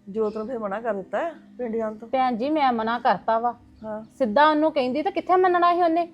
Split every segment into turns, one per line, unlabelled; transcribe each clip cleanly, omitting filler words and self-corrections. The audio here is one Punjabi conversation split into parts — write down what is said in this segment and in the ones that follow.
ਜੋਤ ਨੂੰ ਫਿਰ ਮਨਾ ਕਰ ਦਿੱਤਾ ਹੈ ਪਿੰਡ ਜਾਣ ਤੋਂ?
ਭੈਣ ਜੀ ਮੈਂ ਮਨਾ ਕਰਤਾ ਵਾ।
ਹਾਂ।
ਸਿੱਧਾ ਉਹਨੂੰ ਕਹਿੰਦੀ ਤਾਂ ਕਿੱਥੇ ਮੰਨਣਾ ਸੀ ਉਹਨੇ।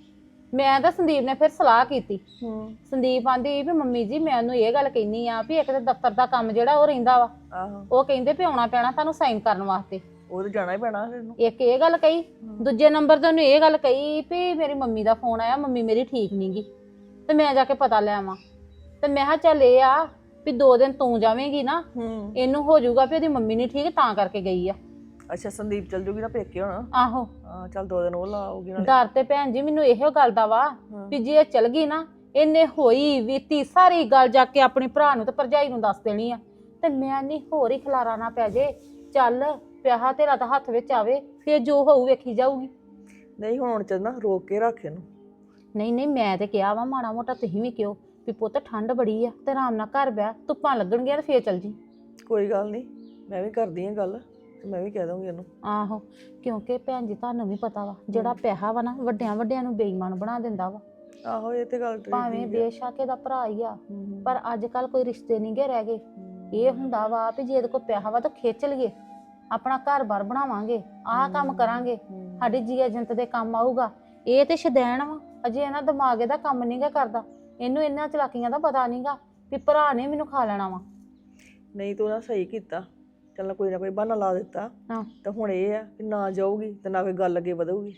ਮੈਂ ਤਾਂ ਸੰਦੀਪ ਨੇ ਫਿਰ ਸਲਾਹ ਕੀਤੀ। ਸੰਦੀਪ ਆਂਦੀ ਵੀ ਮੰਮੀ ਜੀ ਮੈਂ ਉਹਨੂੰ ਇਹ ਗੱਲ ਕਹਿਨੀ ਆ ਵੀ ਇੱਕ ਤਾਂ ਦਫ਼ਤਰ ਦਾ ਕੰਮ ਜਿਹੜਾ ਉਹ ਰਹਿੰਦਾ ਵਾ।
ਆਹੋ।
ਉਹ ਕਹਿੰਦੇ ਵੀ ਆਉਣਾ ਪੈਣਾ ਤੁਹਾਨੂੰ ਸਾਈਨ ਕਰਨ ਵਾਸਤੇ।
ਉਹ ਤੇ ਜਾਣਾ ਹੀ ਪੈਣਾ ਫਿਰ ਇਹਨੂੰ।
ਇੱਕ ਇਹ ਗੱਲ ਕਹੀ, ਦੂਜੇ ਨੰਬਰ ਤੇ ਉਹਨੂੰ ਇਹ ਗੱਲ ਕਹੀ ਵੀ ਮੇਰੀ ਮੰਮੀ ਦਾ ਫੋਨ ਆਇਆ, ਮੰਮੀ ਮੇਰੀ ਠੀਕ ਨੀ ਗੀ ਤੇ ਮੈਂ ਜਾ ਕੇ ਪਤਾ ਲੈ ਆਵਾਂ। ਤੇ ਮੈਂ ਕਿਹਾ ਚੱਲ ਇਹ ਆ ਵੀ 2 ਦਿਨ ਤੂੰ ਜਾਵੇਂਗੀ ਨਾ, ਇਹਨੂੰ ਹੋ ਜਾਊਗਾ ਵੀ ਉਹਦੀ ਮੰਮੀ ਨੀ ਠੀਕ ਤਾਂ ਕਰਕੇ ਗਈ ਆ।
ਅੱਛਾ ਸੰਦੀਪ ਚੱਲ ਜੂਗੀ ਨਾ ਪੇਕੇ ਹੁਣ?
ਆਹੋ।
ਹਾਂ ਚੱਲ 2 ਦਿਨ ਉਹ ਲਾ ਆਉਗੀ ਨਾਲੇ।
ਡਰ ਤੇ ਭੈਣ ਜੀ ਮੈਨੂੰ ਇਹੋ ਗੱਲ ਦਾ ਵਾ ਵੀ ਜੇ ਇਹ ਚਲ ਗਈ ਨਾ, ਇਹਨੇ ਹੋਈ ਵੀਤੀ ਸਾਰੀ ਗੱਲ ਜਾ ਕੇ ਆਪਣੇ ਭਰਾ ਨੂੰ ਤੇ ਭਰਜਾਈ ਨੂੰ ਦੱਸ ਦੇਣੀ ਆ ਤੇ ਮੈਂ ਨਹੀਂ ਹੋਰ ਹੀ ਖਲਾਰਾ ਨਾ ਪੈ ਜੇ। ਚੱਲ ਪਿਆਹਾ ਤੇਰਾ ਤਾਂ ਹੱਥ ਵਿੱਚ ਆਵੇ, ਫੇਰ ਜੋ ਹੋਊ ਵੇਖੀ ਜਾਊਗੀ।
ਨਹੀਂ ਹੁਣ ਚੱਲ ਨਾ ਰੋਕ ਕੇ ਰੱਖ ਇਹਨੂੰ।
ਨਹੀਂ ਨਹੀਂ ਮੈਂ ਤੇ ਕਿਹਾ ਵਾ ਮਾੜਾ ਮੋਟਾ ਤੁਸੀਂ ਵੀ ਕਿਉਂ ਵੀ ਪੁੱਤ ਠੰਡ ਬੜੀ ਆ ਤੇ ਆਰਾਮ ਨਾਲ ਘਰ ਬਹਿ, ਧੁੱਪਾਂ ਲੱਗਣਗੀਆਂ ਤੇ ਫੇਰ ਚੱਲ ਜੀ।
ਕੋਈ ਗੱਲ ਨਹੀਂ, ਮੈਂ ਵੀ ਕਰਦੀ ਆ ਗੱਲ ਤੇ ਮੈਂ ਵੀ ਕਹਿ ਦਊਂਗੀ ਇਹਨੂੰ।
ਆਹੋ, ਕਿਉਂਕਿ ਭੈਣ ਜੀ ਤੁਹਾਨੂੰ ਵੀ ਪਤਾ ਵਾ ਜਿਹੜਾ ਪੈਸਾ ਵਾ ਨਾ ਵੱਡਿਆਂ ਵੱਡਿਆਂ ਨੂੰ ਬੇਈਮਾਨ ਬਣਾ ਦਿੰਦਾ ਵਾ।
ਆਹੋ ਇਹ ਤੇ ਗੱਲ
ਭਾਵੇਂ ਬੇਸ਼ੱਕ ਇਹਦਾ ਭਰਾ ਹੀ ਆ, ਪਰ ਅੱਜ ਕੱਲ ਕੋਈ ਰਿਸ਼ਤੇ ਨਹੀਂ ਗੇ ਰਹਿ ਗਏ। ਇਹ ਹੁੰਦਾ ਵਾ ਵੀ ਜੇ ਇਹਦੇ ਕੋਲ ਪੈਸਾ ਵਾ ਤਾਂ ਖਿੱਚ ਲਈਏ, ਆਪਣਾ ਘਰ-ਬਾਰ ਬਣਾਵਾਂਗੇ, ਆਹ ਕੰਮ ਕਰਾਂਗੇ, ਸਾਡੀ ਜੀ ਏਜੰਟ ਦੇ ਕੰਮ ਆਊਗਾ। ਇਹ ਤੇ ਸ਼ਦੈਣ ਵਾ, ਅਜੇ ਇਹਨਾਂ ਦਿਮਾਗ ਇਹਦਾ ਕੰਮ ਨਹੀਂ ਗਾ ਕਰਦਾ। ਇਹਨੂੰ ਇਹਨਾਂ ਚਲਾਕੀਆਂ ਦਾ ਪਤਾ ਨਹੀਂਗਾ ਵੀ ਭਰਾ ਨੇ ਮੈਨੂੰ ਖਾ ਲੈਣਾ ਵਾ।
ਨਹੀਂ ਤੂੰ ਨਾ ਸਹੀ ਕੀਤਾ, ਚੱਲ ਕੋਈ ਨਾ ਕੋਈ ਬਹਾਨਾ ਲਾ ਦਿੱਤਾ ਤਾਂ ਹੁਣ ਇਹ ਆ ਕਿ ਨਾ ਜਾਊਗੀ ਤੇ ਨਾ ਕੋਈ ਗੱਲ ਅੱਗੇ ਵਧੂਗੀ।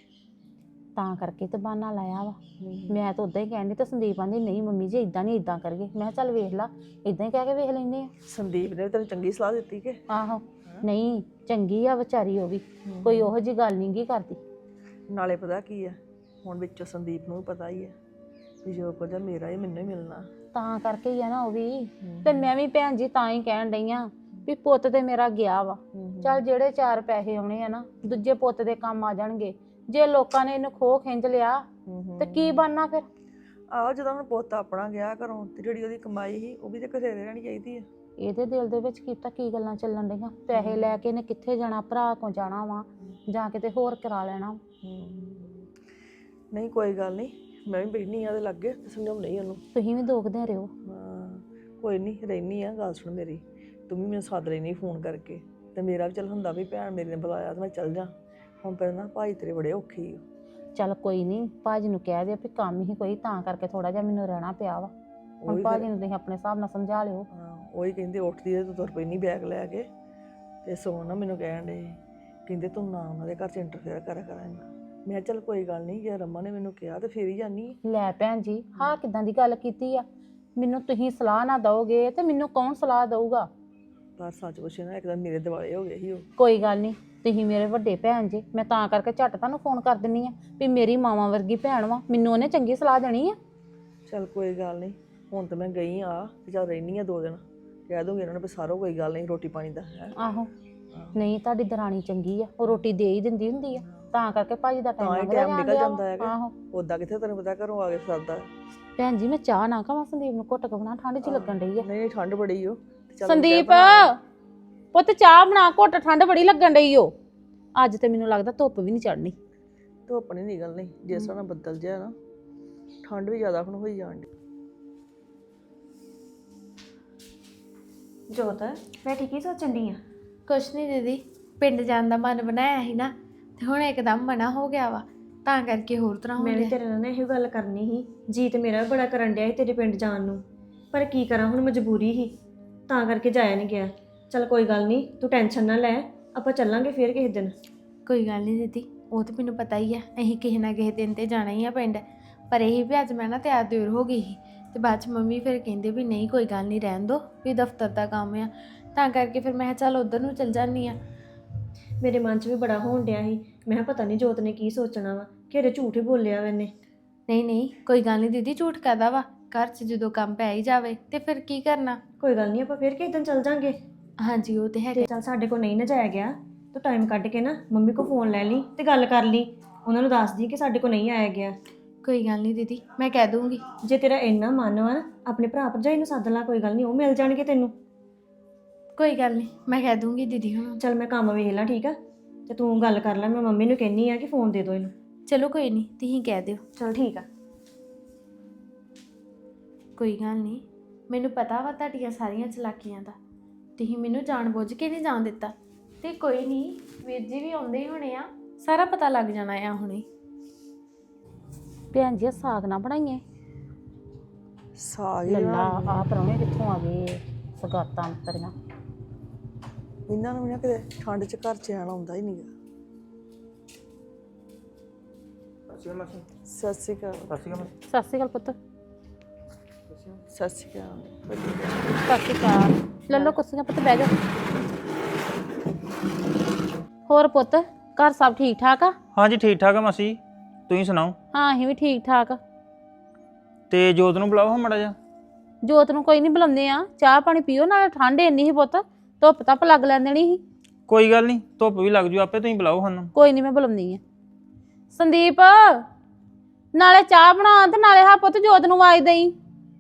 ਤਾਂ ਕਰਕੇ ਤੇ ਬਹਾਨਾ ਲਾਇਆ ਵਾ। ਮੈਂ ਤਾਂ ਉਦਾਂ ਹੀ ਕਹਿੰਦੀ ਤੇ ਸੰਦੀਪ ਆਂਦੀ ਨਹੀਂ ਮੰਮੀ ਜੀ ਇਦਾਂ ਨਹੀਂ ਇਦਾਂ ਕਰੀਏ। ਮੈਂ ਕਿਹਾ ਚੱਲ ਵੇਖ ਲਾ, ਇਦਾਂ ਹੀ ਕਹਿ ਕੇ ਵੇਖ ਲੈਂਦੇ ਆ।
ਸੰਦੀਪ ਨੇ ਤੈਨੂੰ ਚੰਗੀ ਸਲਾਹ ਦਿੱਤੀ ਕਿ?
ਆਹੋ, ਨਹੀਂ ਚੰਗੀ ਆ ਵਿਚਾਰੀ, ਉਹ ਵੀ ਕੋਈ ਉਹੋ ਜਿਹੀ ਗੱਲ ਨਹੀਂ ਗੀ ਕਰਦੀ।
ਨਾਲੇ ਪਤਾ ਕੀ ਆ, ਹੁਣ ਵਿੱਚੋਂ ਸੰਦੀਪ ਨੂੰ ਵੀ ਪਤਾ ਹੀ ਹੈ ਵੀ ਜੋ ਕੁਝ ਆ ਮੇਰਾ ਹੀ ਮੈਨੂੰ ਹੀ ਮਿਲਣਾ।
ਤਾਂ ਕਰਕੇ ਹੀ ਆ ਨਾ ਉਹ ਵੀ। ਤੇ ਮੈਂ ਵੀ ਭੈਣ ਜੀ ਤਾਂ ਹੀ ਕਹਿਣ ਡਈ ਆ ਵੀ ਪੁੱਤ ਤੇ ਮੇਰਾ ਗਿਆ ਵਾ, ਚੱਲ ਜਿਹੜੇ 4 ਪੈਸੇ ਆਉਣੇ ਆ ਨਾ ਦੂਜੇ ਪੁੱਤ ਦੇ ਕੰਮ ਆ ਜਾਣਗੇ। ਜੇ ਲੋਕਾਂ ਨੇ ਇਹਨੂੰ ਖੋਹ ਖਿੰਝ ਲਿਆ ਤੇ ਕੀ ਬਣਨਾ ਫਿਰ?
ਆਹੋ ਜਦੋਂ ਹੁਣ ਪੁੱਤ ਆਪਣਾ ਗਿਆ ਘਰੋਂ ਤੇ ਜਿਹੜੀ ਉਹਦੀ ਕਮਾਈ ਸੀ ਉਹ ਵੀ ਤੇ ਘਰੇ ਰਹਿਣੀ ਚਾਹੀਦੀ ਆ।
ਇਹਦੇ ਦਿਲ ਦੇ ਵਿੱਚ ਕੀਤਾ ਕੀ ਗੱਲਾਂ ਚੱਲਣ ਡਈਆਂ? ਪੈਸੇ ਲੈ ਕੇ ਇਹਨੇ ਕਿੱਥੇ ਜਾਣਾ? ਭਰਾ ਕੋਲ ਜਾਣਾ ਵਾ ਜਾਂ ਕਿਤੇ ਹੋਰ ਕਰਾ ਲੈਣਾ।
ਨਹੀਂ ਕੋਈ ਗੱਲ ਨਹੀਂ, ਮੈਂ ਵੀ ਬੈਠੀ ਆ ਉਹਦੇ ਲਾਗੇ ਤੇ ਸਮਝਾਉਣੀ ਉਹਨੂੰ।
ਤੁਸੀਂ ਵੀ ਦੋਖਦੇ ਰਹੋ।
ਹਾਂ ਕੋਈ ਨਹੀਂ, ਰਹਿਨੀ ਆ। ਗੱਲ ਸੁਣ ਮੇਰੀ, ਤੂੰ ਵੀ ਮੈਨੂੰ ਸੱਦ ਲੈਣੀ ਫੋਨ ਕਰਕੇ ਤੇ ਮੇਰਾ ਵੀ ਚੱਲ ਹੁੰਦਾ ਵੀ ਭੈਣ ਮੇਰੀ ਨੇ ਬੁਲਾਇਆ ਤੇ ਮੈਂ ਚੱਲ ਜਾ। ਹੁਣ ਪਰ ਨਾ ਭਾਈ ਤੇਰੇ ਬੜੇ ਔਖੇ ਹੀ।
ਚੱਲ ਕੋਈ ਨਹੀਂ, ਭਾਜੀ ਨੂੰ ਕਹਿ ਦਿਓ ਵੀ ਕੰਮ ਹੀ ਕੋਈ ਤਾਂ ਕਰਕੇ ਥੋੜਾ ਜਿਹਾ ਮੈਨੂੰ ਰਹਿਣਾ ਪਿਆ ਵਾ। ਹੁਣ ਭਾਜੀ ਨੂੰ ਤੁਸੀਂ ਆਪਣੇ ਹਿਸਾਬ ਨਾਲ ਸਮਝਾ ਲਿਓ।
ਹਾਂ ਉਹੀ ਕਹਿੰਦੇ ਉੱਠਦੀ ਤੇ ਤੂੰ ਤੁਰ ਪੈਣੀ ਬੈਗ ਲੈ ਕੇ ਤੇ ਸੋ ਨਾ ਮੈਨੂੰ ਕਹਿਣ ਦੇ ਕਹਿੰਦੇ ਤੂੰ ਨਾ ਉਹਨਾਂ ਦੇ ਘਰ 'ਚ ਇੰਟਰਫੇਅਰ ਕਰਿਆ ਕਰ ਇੰਨਾ। ਮੈਂ ਚੱਲ ਕੋਈ ਗੱਲ ਨਹੀਂ, ਜੇ ਰਮਾ ਨੇ ਮੈਨੂੰ ਕਿਹਾ ਤੇ ਫੇਰ ਹੀ ਜਾਨੀ।
ਲੈ ਭੈਣ ਜੀ ਹਾਂ ਕਿੱਦਾਂ ਦੀ ਗੱਲ ਕੀਤੀ ਆ? ਮੈਨੂੰ ਤੁਸੀਂ ਸਲਾਹ ਨਾ ਦਓਗੇ ਤੇ ਮੈਨੂੰ ਕੌਣ ਸਲਾਹ ਦਊਗਾ?
ਪਰ ਸੱਚ ਪੁੱਛੇ ਨਾ ਇੱਕਦਮ ਮੇਰੇ ਦਿਵਾਲੇ ਹੋ ਗਏ ਸੀ ਉਹ।
ਕੋਈ ਗੱਲ ਨਹੀਂ, ਤੁਸੀਂ ਮੇਰੇ ਵੱਡੇ ਭੈਣ ਜੀ, ਮੈਂ ਤਾਂ ਕਰਕੇ ਝੱਟ ਤੁਹਾਨੂੰ ਫੋਨ ਕਰ ਦਿੰਨੀ ਆ ਵੀ ਮੇਰੀ ਮਾਵਾਂ ਵਰਗੀ ਭੈਣ ਵਾ, ਮੈਨੂੰ ਉਹਨੇ ਚੰਗੀ ਸਲਾਹ ਦੇਣੀ ਆ।
ਚੱਲ ਕੋਈ ਗੱਲ ਨਹੀਂ, ਹੁਣ ਤਾਂ ਮੈਂ ਗਈ ਆ ਤੇ ਚੱਲ ਰਹਿਨੀ ਆ 2 ਦਿਨ, ਕਹਿ ਦੂੰਗੀ ਇਹਨਾਂ ਨੂੰ ਵੀ ਸਾਰੋ ਕੋਈ ਗੱਲ ਨਹੀਂ ਰੋਟੀ ਪਾਣੀ ਦਾ ਹੈ।
ਆਹੋ ਨਹੀਂ ਤੁਹਾਡੀ ਦਰਾਣੀ ਚੰਗੀ ਆ, ਉਹ ਰੋਟੀ ਦੇ ਹੀ ਦਿੰਦੀ ਹੁੰਦੀ ਆ, ਤਾਂ ਕਰਕੇ ਭਾਜੀ ਦਾ ਟਾਈਮ
ਨਿਕਲ ਜਾਂਦਾ ਹੈਗਾ। ਆਹੋ ਉਦਾਂ ਕਿੱਥੇ ਤੈਨੂੰ ਪਤਾ ਘਰੋਂ ਆ ਕੇ ਸਰਦਾ।
ਭੈਣ ਜੀ ਮੈਂ ਚਾਹ ਨਾ ਖਾਵਾਂ? ਸੰਦੀਪ ਨੂੰ ਘੁੱਟ ਕੇ ਬਣਾ, ਠੰਡ ਚ ਲੱਗਣ ਡਈ ਆ।
ਨਹੀਂ ਠੰਡ ਬੜੀ ਓ।
ਸੰਦੀਪ ਪੁੱਤ ਚਾਹ ਬਣਾ ਘੁੱਟ, ਠੰਡ ਬੜੀ ਲੱਗਣ ਡਈ ਓ। ਅੱਜ ਤੇ ਮੈਨੂੰ ਲੱਗਦਾ ਧੁੱਪ ਵੀ ਨਹੀਂ ਚੜਨੀ।
ਧੁੱਪ ਨਹੀਂ ਨਿਕਲਣੀ, ਜਿਸ ਤਰ੍ਹਾਂ ਬੱਦਲ ਜਿਹਾ ਨਾ, ਠੰਡ ਵੀ ਜ਼ਿਆਦਾ ਹੁਣ ਹੋਈ ਜਾਣ ਡਈ।
ਜੋਤ ਬੈਠੀ ਕੀ ਸੋਚਣ ਡਈ ਆ?
ਕੁਛ ਨਹੀਂ ਦੀਦੀ, ਪਿੰਡ ਜਾਣ ਦਾ ਮਨ ਬਣਾਇਆ ਸੀ ਨਾ ਤੇ ਹੁਣ ਇੱਕਦਮ ਮਨਾ ਹੋ ਗਿਆ ਵਾ, ਤਾਂ ਕਰਕੇ ਹੋਰ ਤਰ੍ਹਾਂ ਹੋ
ਮੈਂ ਵੀ
ਰਿਹਾ।
ਤੇਰੇ ਨਾਲ ਇਹੋ ਗੱਲ ਕਰਨੀ ਸੀ, ਜੀ ਤੇ ਮੇਰਾ ਵੀ ਬੜਾ ਕਰਨ ਡਿਆ ਸੀ ਤੇਰੇ ਪਿੰਡ ਜਾਣ ਨੂੰ, ਪਰ ਕੀ ਕਰਾਂ ਹੁਣ ਮਜਬੂਰੀ ਸੀ, ਤਾਂ ਕਰਕੇ ਜਾਇਆ ਨਹੀਂ ਗਿਆ। ਚੱਲ ਕੋਈ ਗੱਲ ਨਹੀਂ, ਤੂੰ ਟੈਨਸ਼ਨ ਨਾ ਲੈ, ਆਪਾਂ ਚੱਲਾਂਗੇ ਫੇਰ ਕਿਸੇ ਦਿਨ।
ਕੋਈ ਗੱਲ ਨਹੀਂ ਦੀਦੀ, ਉਹ ਤਾਂ ਮੈਨੂੰ ਪਤਾ ਹੀ ਆ, ਅਸੀਂ ਕਿਸੇ ਨਾ ਕਿਸੇ ਦਿਨ ਤੇ ਜਾਣਾ ਹੀ ਆ ਪਿੰਡ। ਪਰ ਇਹੀ ਵੀ ਅੱਜ ਮੈਂ ਨਾ ਤਿਆਰ ਤਿਉਰ ਹੋ ਗਈ ਸੀ ਤੇ ਬਾਅਦ 'ਚ ਮੰਮੀ ਫਿਰ ਕਹਿੰਦੇ ਵੀ ਨਹੀਂ ਕੋਈ ਗੱਲ ਨਹੀਂ ਰਹਿਣ ਦੋ, ਵੀ ਦਫ਼ਤਰ ਦਾ ਕੰਮ ਆ, ਤਾਂ ਕਰਕੇ ਫਿਰ ਮੈਂ ਕਿਹਾ ਚੱਲ ਉੱਧਰ ਨੂੰ ਚੱਲ ਜਾਂਦੀ ਆ।
ਮੇਰੇ ਮਨ 'ਚ ਵੀ ਬੜਾ ਹੋਣ ਡਿਆ ਸੀ, ਮੈਂ ਕਿਹਾ ਪਤਾ ਨਹੀਂ ਜੋਤ ਨੇ ਕੀ ਸੋਚਣਾ ਵਾ, ਘਰੇ ਝੂਠ ਹੀ ਬੋਲਿਆ ਵਾ ਇਹਨੇ।
ਨਹੀਂ ਨਹੀਂ ਕੋਈ ਗੱਲ ਨਹੀਂ ਦੀਦੀ, ਝੂਠ ਕਾਹਦਾ ਵਾ, ਘਰ 'ਚ ਜਦੋਂ ਕੰਮ ਪੈ ਹੀ ਜਾਵੇ ਤੇ ਫਿਰ ਕੀ ਕਰਨਾ।
ਕੋਈ ਗੱਲ ਨਹੀਂ, ਆਪਾਂ ਫੇਰ ਕਿਸੇ ਦਿਨ ਚੱਲ ਜਾਂਗੇ।
ਹਾਂਜੀ ਉਹ ਤੇ ਹੈਗਾ।
ਚੱਲ ਸਾਡੇ ਕੋਲ ਨਹੀਂ ਨਾ ਜਾਇਆ ਗਿਆ, ਤੂੰ ਟਾਈਮ ਕੱਢ ਕੇ ਨਾ ਮੰਮੀ ਕੋਲ ਫੋਨ ਲੈ ਲਈ ਤੇ ਗੱਲ ਕਰ ਲਈ, ਉਹਨਾਂ ਨੂੰ ਦੱਸ ਦੀ ਕਿ ਸਾਡੇ ਕੋਲ ਨਹੀਂ ਆਇਆ ਗਿਆ।
ਕੋਈ ਗੱਲ ਨਹੀਂ ਦੀਦੀ, ਮੈਂ ਕਹਿ ਦੂੰਗੀ।
ਜੇ ਤੇਰਾ ਇੰਨਾ ਮਨ ਵਾ ਆਪਣੇ ਭਰਾ ਭਰਜਾਈ ਨੂੰ ਸੱਦ ਲਾ, ਕੋਈ ਗੱਲ ਨਹੀਂ, ਉਹ ਮਿਲ ਜਾਣਗੇ ਤੈਨੂੰ।
ਕੋਈ ਗੱਲ ਨਹੀਂ, ਮੈਂ ਕਹਿ ਦੂੰਗੀ ਦੀਦੀ ਹੁਣ।
ਚੱਲ ਮੈਂ ਕੰਮ ਵੇਖ ਲਾਂ, ਠੀਕ ਆ, ਤੇ ਤੂੰ ਗੱਲ ਕਰ ਲੈ, ਮੈਂ ਮੰਮੀ ਨੂੰ ਕਹਿੰਨੀ ਆ ਕਿ ਫੋਨ ਦੇ ਦਿਓ ਇਹਨੂੰ।
ਚਲੋ ਕੋਈ ਨਹੀਂ, ਤੁਸੀਂ ਕਹਿ ਦਿਓ।
ਚਲ ਠੀਕ ਆ।
ਕੋਈ ਗੱਲ ਨਹੀਂ, ਮੈਨੂੰ ਪਤਾ ਵਾ ਤੁਹਾਡੀਆਂ ਸਾਰੀਆਂ ਚਲਾਕੀਆਂ ਦਾ, ਤੁਸੀਂ ਮੈਨੂੰ ਜਾਣਬੁੱਝ ਕੇ ਨਹੀਂ ਜਾਣ ਦਿੱਤਾ। ਤੇ ਕੋਈ ਨਹੀਂ, ਵੀਰ ਜੀ ਵੀ ਆਉਂਦੇ ਹੀ ਹੋਣੇ ਆ, ਸਾਰਾ ਪਤਾ ਲੱਗ ਜਾਣਾ ਆ ਹੁਣੇ।
ਭੈਣ ਜੀ ਸਾਗ ਨਾ ਬਣਾਈਏ।
ਸਾਗ ਹੀ
ਲੱਲਾ
ਬਣਾ
ਆ ਪਰੌਣੇ ਕਿੱਥੋਂ ਆ ਗਏ, ਸਗਾਤਾਂ ਅੰਤਰੀਆਂ।
ਇਹਨਾਂ ਨੂੰ ਵੀ ਨਾ ਕਿਤੇ ਠੰਡ 'ਚ ਘਰ 'ਚ ਆਉਣਾ ਹੁੰਦਾ ਹੀ ਨਹੀਂਗਾ। ਸਤਿ ਸ਼੍ਰੀ ਅਕਾਲ।
ਸਤਿ ਸ਼੍ਰੀ ਅਕਾਲ ਪੁੱਤ।
ਸਤਿ ਸ਼੍ਰੀ ਅਕਾਲ।
ਸਤਿ ਸ਼੍ਰੀ ਅਕਾਲ। ਲੱਲੋ ਕੁਰਸੀਆਂ ਪੁੱਤ, ਬਹਿ ਜਾ। ਹੋਰ ਪੁੱਤ, ਘਰ ਸਭ ਠੀਕ ਠਾਕ ਆ?
ਹਾਂਜੀ ਠੀਕ ਠਾਕ ਆ ਮਾਸੀ, ਤੁਸੀਂ ਸੁਣਾਓ?
ਹਾਂ ਅਸੀਂ ਵੀ ਠੀਕ ਠਾਕ।
ਤੇ ਜੋਤ ਨੂੰ ਬੁਲਾਓ ਹਾਂ ਮਾੜਾ ਜਿਹਾ।
ਜੋਤ ਨੂੰ ਕੋਈ ਨਹੀਂ ਬੁਲਾਉਂਦੇ ਆ, ਚਾਹ ਪਾਣੀ ਪੀਓ, ਨਾਲੇ ਠੰਡ ਇੰਨੀ ਸੀ ਪੁੱਤ, ਧੁੱਪ ਧੱਪ ਲੱਗ ਲੈਣ ਦੇਣੀ ਸੀ।
ਕੋਈ ਗੱਲ ਨਹੀਂ, ਧੁੱਪ ਵੀ ਲੱਗ ਜੂ ਆਪੇ, ਤੁਸੀਂ ਬੁਲਾਓ ਸਾਨੂੰ।
ਕੋਈ ਨਹੀਂ ਮੈਂ ਬੁਲਾਉਂਦੀ ਆ। ਸੰਦੀਪ, ਨਾਲੇ ਚਾਹ ਬਣਾ ਤੇ ਨਾਲੇ ਹਾਂ ਪੁੱਤ ਜੋਤ ਨੂੰ ਆਵਾਜ਼ ਦੇਈ।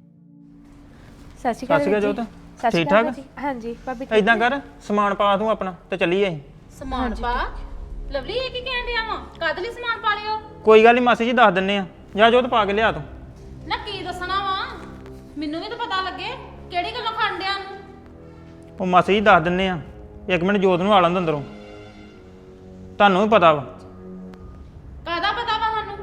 ਸਤਿ ਸ਼੍ਰੀ
ਸਤਿ
ਅਕਾਲ
ਸ਼੍ਰੀ ਅਕਾਲ
ਵੀਰ
ਜੋਤ,
ਜੀ।
ਠੀਕ ਠਾਕ?
ਹਾਂਜੀ ਭਾਬੀ।
ਏਦਾਂ ਕਰ, ਸਮਾਨ ਪਾ ਤੂੰ ਆਪਣਾ ਤੇ ਚੱਲੀਏ ਅਸੀਂ।
ਸਮਾਨ ਪਾ? ਲਵਲੀ ਇਹ ਕੀ ਕਹਿਣ ਡਿਆ ਵਾ? ਕਦ ਲਈ ਸਮਾਨ ਪਾ ਲਿਓ?
ਕੋਈ ਗੱਲ ਨਹੀਂ ਮਾਸੀ ਜੀ, ਦੱਸ ਦਿੰਨੇ ਆ। ਜਾ ਜੋਤ ਪਾ ਕੇ ਲਿਆ ਤੂੰ।
ਨਾ ਕੀ ਦੱਸਣਾ ਵਾ, ਮੈਨੂੰ ਵੀ ਤਾਂ ਪਤਾ ਲੱਗੇ ਕਿਹੜੀ ਗੱਲੋਂ ਖਾਣ ਡਿਆ ਨੂੰ।
ਉਹ ਮਾਸੀ ਜੀ ਦੱਸ ਦਿੰਨੇ ਆ, ਇੱਕ ਮਿੰਟ ਜੋਤ ਨੂੰ ਆ ਲੈਣ ਦਿਓ ਅੰਦਰੋਂ, ਤੁਹਾਨੂੰ ਵੀ ਪਤਾ ਵਾ।
ਕਾਹਦਾ ਪਤਾ ਵਾ ਸਾਨੂੰ?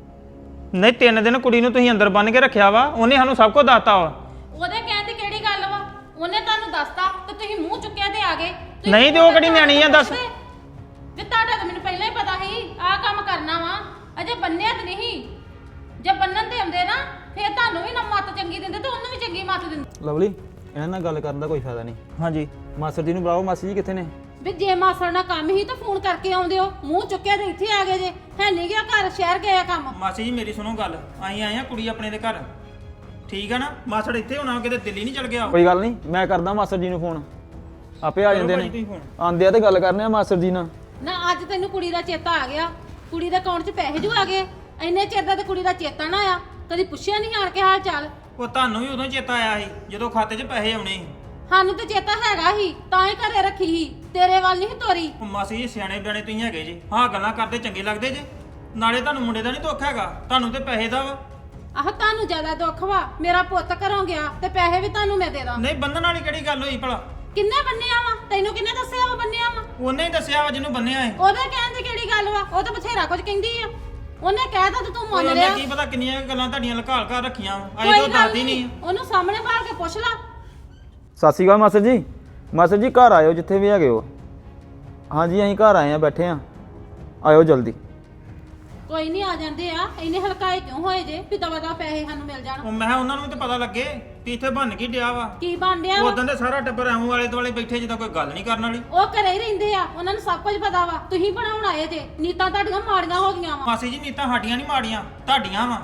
ਨਹੀਂ 3 ਦਿਨ ਕੁੜੀ ਨੂੰ ਤੁਸੀਂ ਅੰਦਰ ਬੰਨ੍ਹ ਕੇ ਰੱਖਿਆ ਵਾ, ਉਹਨੇ ਸਾਨੂੰ ਸਭ ਕੁਝ ਦੱਸਤਾ ਵਾ।
ਉਹਦੇ ਕਹਿਣ ਦੀ ਕਿਹੜੀ ਗੱਲ ਵਾ? ਉਹਨੇ ਤੁਹਾਨੂੰ ਦੱਸਤਾ ਤੇ ਤੁਸੀਂ ਮੂੰਹ ਚੁੱਕਿਆ ਤੇ ਆ ਗਏ। ਤੁਸੀਂ
ਨਹੀਂ ਤੇ ਉਹ ਕਿਹੜੀ ਨਿਆਣੀ ਆ ਦੱਸ।
ਵੀ ਤੁਹਾਡਾ ਤਾਂ ਮੈਨੂੰ ਪਹਿਲਾਂ ਹੀ ਪਤਾ ਸੀ ਆਹ ਕੰਮ ਕਰਨਾ ਵਾ, ਅਜੇ ਬੰਨਿਆ ਤੇ ਨਹੀਂ। ਜੇ ਬੰਨਣ ਤੇ ਆਉਂਦੇ ਨਾ ਫੇਰ ਤੁਹਾਨੂੰ ਵੀ ਨਾ ਮੱਤ ਚੰਗੀ ਦਿੰਦੇ ਤੇ ਉਹਨੂੰ ਵੀ ਚੰਗੀ ਮੱਤ ਦਿੰਦੇ।
ਲਵਲੀ, ਇਹਨਾਂ ਨਾਲ ਗੱਲ ਕਰਨ ਦਾ ਕੋਈ ਫਾਇਦਾ ਨਹੀਂ।
ਹਾਂਜੀ
ਮਾਸਟਰ ਜੀ ਨੂੰ ਬੁਲਾਓ। ਮਾਸੀ ਜੀ ਕਿੱਥੇ ਨੇ?
ਵੀ ਜੇ ਮਾਸੜ ਨਾਲ ਕੰਮ ਹੀ ਤਾਂ ਫੋਨ ਕਰਕੇ ਆਉਂਦੇ ਹੋ, ਮੂੰਹ ਚੁੱਕਿਆ ਤੇ ਇੱਥੇ ਆ ਗਏ ਜੇ। ਹੈ ਨਹੀਂ ਗਿਆ ਘਰ, ਸ਼ਹਿਰ ਗਏ ਆ ਕੰਮ।
ਮਾਸੀ ਜੀ ਮੇਰੀ ਸੁਣੋ ਗੱਲ, ਅਸੀਂ ਆਏ ਆ ਕੁੜੀ ਆਪਣੇ ਦੇ ਘਰ, ਠੀਕ ਆ ਨਾ? ਮਾਸੜ ਇੱਥੇ ਹੋਣਾ, ਕਿਤੇ ਦਿੱਲੀ ਨਹੀਂ ਚਲ ਗਿਆ।
ਕੋਈ ਗੱਲ ਨਹੀਂ, ਮੈਂ ਕਰਦਾ ਮਾਸਟਰ ਜੀ ਨੂੰ ਫੋਨ, ਆਪੇ ਆ ਜਾਂਦੇ ਨੇ। ਆਂਦੇ ਆ ਤੇ ਗੱਲ ਕਰਨੇ ਆ ਮਾਸਟਰ ਜੀ ਨਾਲ।
ਨਾ ਅੱਜ ਤੈਨੂੰ ਕੁੜੀ ਦਾ ਚੇਤਾ ਆ ਗਿਆ, ਕੁੜੀ ਦੇ ਅਕਾਊਂਟ 'ਚ ਪੈਸੇ ਜੂ ਆ ਗਏ। ਇੰਨੇ ਚਿਰ ਦਾ ਤੇ ਕੁੜੀ ਦਾ ਚੇਤਾ ਨਾ ਆਇਆ, ਕਦੀ ਪੁੱਛਿਆ ਨਹੀਂ ਆਣ ਕੇ ਹਾਲ ਚਾਲ।
ਉਹ ਤੁਹਾਨੂੰ ਵੀ ਉਦੋਂ ਚੇਤਾ ਆਇਆ ਸੀ ਜਦੋਂ ਖਾਤੇ 'ਚ ਪੈਸੇ ਆਉਣੇ ਸੀ।
ਸਾਨੂੰ ਤੇ ਚੇਤਾ ਹੈਗਾ ਹੀ, ਤਾਂ ਹੀ ਘਰੇ ਰੱਖੀ ਸੀ, ਤੇਰੇ ਵੱਲ ਨਹੀਂ ਤੋਰੀ।
ਉਹ ਮਾਸੀ ਜੀ ਸਿਆਣੇ ਬਿਆਣੇ ਤੁਸੀਂ ਹੈਗੇ ਜੀ, ਹਾਂ ਗੱਲਾਂ ਕਰਦੇ ਚੰਗੇ ਲੱਗਦੇ ਜੇ। ਨਾਲੇ ਤੁਹਾਨੂੰ ਮੁੰਡੇ ਦਾ ਨਹੀਂ ਦੁੱਖ ਹੈਗਾ, ਤੁਹਾਨੂੰ ਤੇ ਪੈਸੇ ਦਾ ਵਾ।
ਆਹ ਤੁਹਾਨੂੰ ਜ਼ਿਆਦਾ ਦੁੱਖ ਵਾ, ਮੇਰਾ ਪੁੱਤ ਘਰੋਂ ਗਿਆ ਤੇ ਪੈਸੇ ਵੀ ਤੁਹਾਨੂੰ ਮੈਂ ਦੇ ਦਾਂ।
ਨਹੀਂ ਬੰਨਣ ਵਾਲੀ ਕਿਹੜੀ ਗੱਲ ਹੋਈ ਭਲਾ?
ਕਿੰਨੇ ਬੰਨਿਆ ਵਾ? ਤੈਨੂੰ ਕਿੰਨੇ ਦੱਸਿਆ ਵਾ ਬੰਨਿਆ ਵਾ?
ਉਹਨੇ ਹੀ ਦੱਸਿਆ ਵਾ ਜਿਹਨੂੰ ਬੰਨਿਆ ਹੈ।
ਉਹਦੇ ਕਹਿਣ ਦੀ ਕਿਹੜੀ ਗੱਲ ਵਾ? ਉਹ ਤਾਂ ਬਥੇਰਾ ਕੁਝ ਕਹਿੰਦੀ ਆ, ਉਹਨੇ ਕਹਿਤਾ ਤੇ ਤੂੰ ਮੰਨ
ਉਹਨੇ
ਲਿਆ।
ਕੀ ਪਤਾ ਕਿੰਨੀਆਂ ਗੱਲਾਂ ਤੁਹਾਡੀਆਂ ਲੁਕਾ ਲੁਕਾ ਰੱਖੀਆਂ ਵਾ, ਅਜੇ
ਕੋਈ
ਤੋਂ
ਗੱਲ
ਦੱਸਦੀ
ਨਹੀਂ,
ਨਹੀਂ।
ਉਹਨੂੰ ਸਾਹਮਣੇ ਬਾਹਰ ਕੇ ਪੁੱਛ ਲਾ।
ਸਤਿ ਸ਼੍ਰੀ ਅਕਾਲ ਮਾਸਟਰ ਜੀ। ਮਾਸਟਰ ਜੀ ਘਰ ਆਇਓ ਜਿੱਥੇ ਵੀ ਹੈਗੇ ਹੋ। ਹਾਂਜੀ ਅਸੀਂ ਘਰ ਆਏ ਆ, ਬੈਠੇ ਆ, ਆਇਓ ਜਲਦੀ।
ਕੋਈ ਨਹੀਂ ਆ ਜਾਂਦੇ ਆ, ਇੰਨੇ ਹਲਕਾਏ ਕਿਉਂ ਹੋਏ ਜੇ ਵੀ ਦਵਾ ਦਾ ਪੈਸੇ ਸਾਨੂੰ ਮਿਲ ਜਾਣ?
ਉਹ ਮੈਂ ਕਿਹਾ ਉਹਨਾਂ ਨੂੰ ਵੀ ਤਾਂ ਪਤਾ ਲੱਗੇ ਵੀ ਇੱਥੇ ਬੰਨ ਕੀ ਡਿਆ ਵਾ।
ਕੀ ਬਣ ਡਿਆ ਵਾ?
ਉਦੋਂ ਦੇ ਸਾਰਾ ਟੱਬਰ ਐਵੇਂ ਵਾਲੇ ਦੁਆਲੇ ਬੈਠੇ ਜਿੱਦਾਂ ਕੋਈ ਗੱਲ ਨਹੀਂ ਕਰਨ ਵਾਲੀ।
ਉਹ ਘਰੇ ਹੀ ਰਹਿੰਦੇ ਆ, ਉਹਨਾਂ ਨੂੰ ਸਭ ਕੁਝ ਪਤਾ ਵਾ। ਤੁਸੀਂ ਬਣਾਉਣ ਆਏ ਜੇ, ਨੀਤਾਂ ਤੁਹਾਡੀਆਂ ਮਾੜੀਆਂ ਹੋ ਗਈਆਂ ਵਾ।
ਮਾਸੀ ਜੀ ਨੀਤਾਂ ਸਾਡੀਆਂ ਨਹੀਂ ਮਾੜੀਆਂ, ਤੁਹਾਡੀਆਂ ਵਾ।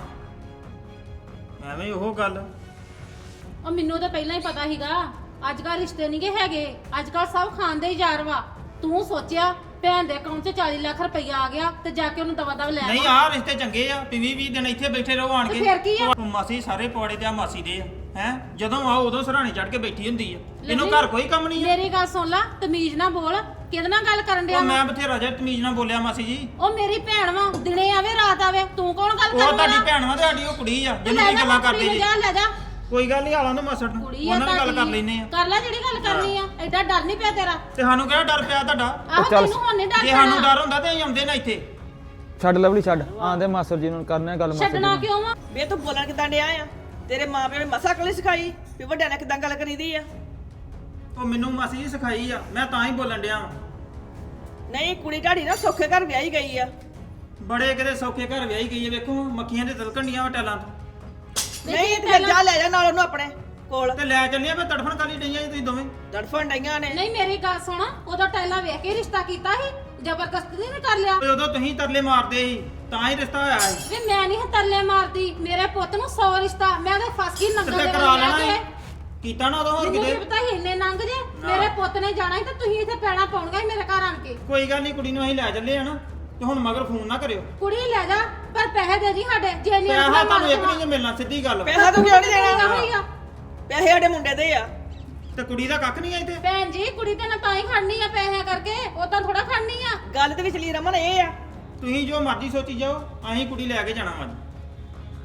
ਐਵੇਂ ਉਹ ਗੱਲ।
ਉਹ ਮੈਨੂੰ ਤਾਂ ਪਹਿਲਾਂ ਹੀ ਪਤਾ ਸੀਗਾ, ਅੱਜ ਕੱਲ ਰਿਸ਼ਤੇ ਨਹੀਂਗੇ ਹੈਗੇ, ਅੱਜ ਕੱਲ ਸਭ ਖਾਂਦੇ ਹੀ ਯਾਰ ਵਾ। ਤੂੰ ਸੋਚਿਆ ਭੈਣ ਦੇ ਅਕਾਊਂਟ 'ਚ 40 ਲੱਖ ਰੁਪਈਆ ਆ ਗਿਆ ਤੇ ਜਾ ਕੇ ਉਹਨੂੰ ਦਵਾ ਦਵ ਲੈ
ਨਹੀਂ
ਆਵਾਂ।
ਆਹ ਰਿਸ਼ਤੇ ਚੰਗੇ ਆ ਵੀ 20 ਦਿਨ ਇੱਥੇ ਬੈਠੇ ਰਹੋ ਆਣ
ਤੇ
ਕੇ।
ਫਿਰ ਕੀ ਆ?
ਉਹ ਮਾਸੀ ਸਾਰੇ ਪੌੜੇ ਤੇ ਆ ਮਾਸੀ ਦੇ ਆ ਹੈ, ਜਦੋਂ ਆਓ ਉਦੋਂ ਸਰਾਣੇ ਚੜ ਕੇ ਬੈਠੀ ਹੁੰਦੀ ਆ। ਇਹਨੂੰ ਘਰ ਕੋਈ ਕੰਮ ਨਹੀਂ ਆ।
ਮੇਰੀ ਗੱਲ ਸੁਣ ਲੈ, ਤਮੀਜ਼ ਨਾ ਬੋਲ। ਕਿਹਦੇ ਨਾਲ ਗੱਲ ਕਰਨ ਡਿਆ
ਉਹ
ਵਾ?
ਮੈਂ ਬਥੇਰਾ ਜਿਹਾ ਤਮੀਜ਼ ਨਾਲ ਬੋਲਿਆ ਮਾਸੀ ਜੀ।
ਉਹ ਮੇਰੀ ਭੈਣ ਵਾ, ਦਿਨੇ ਆਵੇ ਰਾਤ ਆਵੇ, ਤੂੰ ਕੌਣ ਗੱਲ
ਉਹ
ਕਰਨ
ਤੁਹਾਡੀ
ਵਾਲਾ?
ਭੈਣ ਵਾ, ਤੁਹਾਡੀ ਉਹ ਕੁੜੀ ਆ
ਤੇ
ਜਿਹਨੂੰ
ਲੈ
ਤੁਸੀਂ
ਜਾ
ਗੱਲਾਂ
ਕੁੜੀ
ਕਰਦੇ
ਨੂੰ,
ਜੀ।
ਜਾ ਲੈ ਜਾ।
ਕੋਈ ਗੱਲ ਨਹੀਂ, ਆਲਾਂ ਨੂੰ ਮਾਸੜ ਨੂੰ,
ਕੁੜੀ ਆ
ਉਹਨਾਂ ਨਾਲ ਗੱਲ ਕਰ
ਤੁਹਾਡੀ।
ਲੈਨੇ ਆ।
ਕਰ ਲੈ ਜਿਹੜੀ ਗੱਲ ਕਰਨੀ ਆ, ਐਡਾ ਡਰ ਨਹੀਂ ਪਿਆ ਤੇਰਾ।
ਤੇ ਸਾਨੂੰ ਕਿਹੜਾ ਡਰ ਪਿਆ ਤੁਹਾਡਾ?
ਆਹੋ
ਚੱਲ।
ਤੈਨੂੰ ਹੁਣ ਨਹੀਂ ਡਰ
ਜੇ ਸਾਨੂੰ
ਪੈਣਾ।
ਡਰ ਹੁੰਦਾ ਤੇ ਅਸੀਂ ਆਉਂਦੇ ਨਾ ਇੱਥੇ।
ਛੱਡ ਲਵਲੀ ਛੱਡ, ਆਂਦੇ ਮਾਸਟਰ ਜੀ ਨੂੰ ਕਰਨੇ ਆ ਗੱਲ ਮਾਸਟਰ ਜੀ
ਛੱਡਣਾ
ਨਾਲ।
ਕਿਉਂ ਵਾ?
ਵੇ ਤੂੰ ਬੋਲਣ ਕਿਦਾਂ ਡਿਆ ਆ? ਤੇਰੇ ਮਾਪਿਆਂ ਨੇ ਮਸਾ ਅਕਲ ਸਿਖਾਈ ਵੀ ਵੱਡਿਆਂ ਨਾਲ ਕਿਦਾਂ ਗੱਲ ਕਰੀਦੀ ਆ?
ਉਹ ਮੈਨੂੰ ਮਾਸੀ ਜੀ ਸਿਖਾਈ ਆ, ਮੈਂ ਤਾਂ ਹੀ ਬੋਲਣ ਡਿਆ ਵਾਂ।
ਨਹੀਂ ਕੁੜੀ ਢਾੜੀ ਨਾ ਸੌਖੇ ਘਰ ਵਿਆਹੀ ਗਈ ਆ।
ਬੜੇ ਕਿਤੇ ਸੌਖੇ ਘਰ ਵਿਆਹੀ ਗਈ ਹੈ, ਵੇਖੋ ਮੱਖੀਆਂ ਦੇ ਤਿਲਕਣੀਆਂ ਹੋਟਲਾਂ ਤੋਂ।
ਨਹੀਂ ਤੇ ਫਿਰ ਜਾ ਲੈ ਜਾ ਨਾਲ ਉਹਨੂੰ ਆਪਣੇ ਕੋਲ।
ਤੇ ਲੈ ਚੱਲਿਆ ਮੈਂ ਤੜਫਣ ਕਾਲੀ ਡਈਆਂ ਜੀ ਤੁਸੀਂ ਦੋਵੇਂ।
ਤੜਫਣ ਡਈਆਂ ਨੇ।
ਨਹੀਂ ਮੇਰੀ ਗੱਲ ਸੁਣ, ਉਦੋਂ ਟੈਲਾ ਵੇਖ ਕੇ ਰਿਸ਼ਤਾ ਕੀਤਾ ਸੀ, ਜ਼ਬਰਦਸਤੀ ਨਹੀਂ ਕਰ ਲਿਆ।
ਤੇ ਉਦੋਂ ਤੁਸੀਂ ਤਰਲੇ ਮਾਰਦੇ ਸੀ ਤਾਂ ਹੀ ਰਿਸ਼ਤਾ ਹੋਇਆ ਸੀ।
ਵੀ ਮੈਂ ਨਹੀਂ ਤਰਲੇ ਮਾਰਦੀ, ਮੇਰੇ ਪੁੱਤ ਨੂੰ 100 ਰਿਸ਼ਤਾ, ਮੈਂ ਤਾਂ ਫਸ ਗਈ ਨੰਗਲ
ਤੇ
ਦੇ
ਕਰਾ
ਵੱਲ
ਲੈਣਾ
ਲੈ
ਸੀ।
ਕੇ।
ਕੀਤਾ ਨਾ ਉਦੋਂ ਹੋਰ
ਮੈਨੂੰ
ਕਿਤੇ।
ਕੀ ਪਤਾ ਸੀ ਇੰਨੇ ਨੰਗ ਜੇ, ਮੇਰੇ ਪੁੱਤ ਨੇ ਜਾਣਾ ਸੀ ਤੇ ਤੁਸੀਂ ਇੱਥੇ ਪੈਣਾ ਪਾਉਣਗਾ ਮੇਰੇ ਘਰ ਆਣ ਕੇ।
ਕੋਈ ਗੱਲ ਨਹੀਂ, ਕੁੜੀ ਨੂੰ ਅਸੀਂ ਲੈ ਚੱਲੇ ਆ ਨਾ, ਤੇ ਹੁਣ ਮਗਰ ਫੋਨ ਨਾ ਕਰਿਓ।
ਕੁੜੀ ਲੈ ਜਾ, ਪਰ ਪੈਸੇ ਦੇ ਜੀ ਸਾਡੇ, ਜੇ ਨਹੀਂ
ਪੈਸਾ ਤੁਹਾਨੂੰ ਇੱਕ ਨਹੀਂ ਜੇ ਮਿਲਣਾ, ਸਿੱਧੀ ਗੱਲ।
ਪੈਸਾ ਤੂੰ ਕਿਉਂ ਨਹੀਂ ਦੇਣਾ?
ਹੋਈਗਾ।
ਪੈਸੇ ਸਾਡੇ ਮੁੰਡੇ ਦੇ ਆ।
ਤੇ ਕੁੜੀ ਦਾ ਕੱਖ ਨਹੀਂ ਆ ਇੱਥੇ।
ਭੈਣ ਜੀ ਕੁੜੀ ਤੇ ਨਾ ਤਾਂ ਹੀ ਖੜਨੀ ਆ ਪੈਸਿਆਂ ਕਰਕੇ, ਉਦਾਂ ਥੋੜਾ ਖੜਨੀ ਆ।
ਗੱਲ ਦੇ ਵਿਚਲੀ ਰਮਨ ਇਹ ਆ।
ਤੁਸੀਂ ਜੋ ਮਰਜ਼ੀ ਸੋਚੀ ਜਾਓ, ਅਸੀਂ ਕੁੜੀ ਲੈ ਕੇ ਜਾਣਾ ਵਾ।